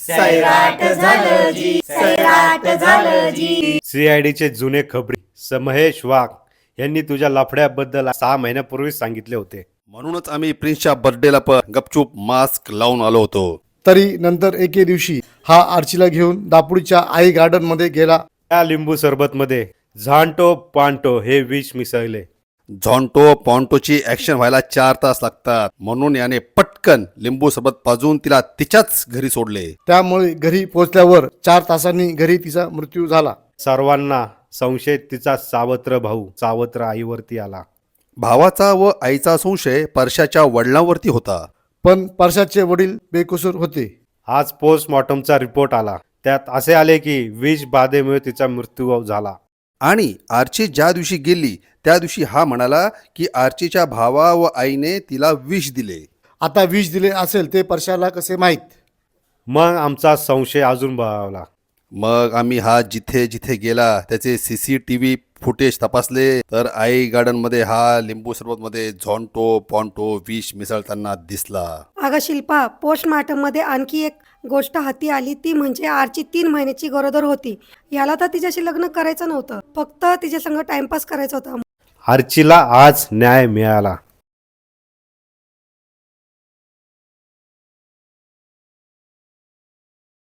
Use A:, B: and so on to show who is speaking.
A: सैराट झालं जी, सैराट झालं जी.
B: सीआयडीचे जुने खबरी समहेश वाघ यांनी तुझ्या लफड्याबद्दल 6 महिन्यापूर्वीच सांगितले होते.
C: म्हणूनच आम्ही प्रिन्सच्या बर्थडेला पण गपचूप मास्क लावून आलो होतो.
D: तरी नंतर एके दिवशी हा आर्चीला घेऊन दापुडीच्या आई गार्डन मध्ये गेला.
B: त्या लिंबू सरबतमध्ये झांटो पांटो हे विष मिसळले.
C: झॉन्टो पॉन्टोची ऍक्शन व्हायला 4 तास लागतात, म्हणून याने पटकन लिंबू सरबत पाजून तिला तिच्याच घरी सोडले.
D: त्यामुळे घरी पोहोचल्यावर 4 तासांनी घरी तिचा मृत्यू झाला.
B: सर्वांना संशय तिचा सावत्र भाऊ सावत्र आईवरती आला.
C: भावाचा व आईचा संशय परशाच्या वडिलांवरती होता.
D: पण परशाचे वडील बेकसूर होते.
B: आज पोस्टमॉर्टमचा रिपोर्ट आला. त्यात असे आले की विष बाधेमुळे तिचा मृत्यू झाला.
C: आणि आर्ची ज्या दिवशी गेली त्या दिवशी हा म्हणाला की आर्चीच्या भावा व आईने तिला विष दिले.
D: आता विष दिले असेल ते परशाला कसे माहीत?
B: मग आमचा संशय अजून बळावला.
C: मग आम्ही हा जिथे जिथे गेला त्याचे CCTV फुटेज तपासले, तर आई गार्डन मध्ये हा लिंबू सरबत मध्ये झॉन्टो पॉन्टो विष मिसळताना दिसला.
E: अगं शिल्पा, पोस्टमार्टम मध्ये आणखी एक गोष्ट हाती आली, ती म्हणजे आर्ची 3 महिन्याची गरोदर होती. याला तर तिच्याशी लग्न करायचं नव्हतं, फक्त तिच्या संग टाइमपास करायचा होता.
B: आर्चीला आज न्याय मिळाला.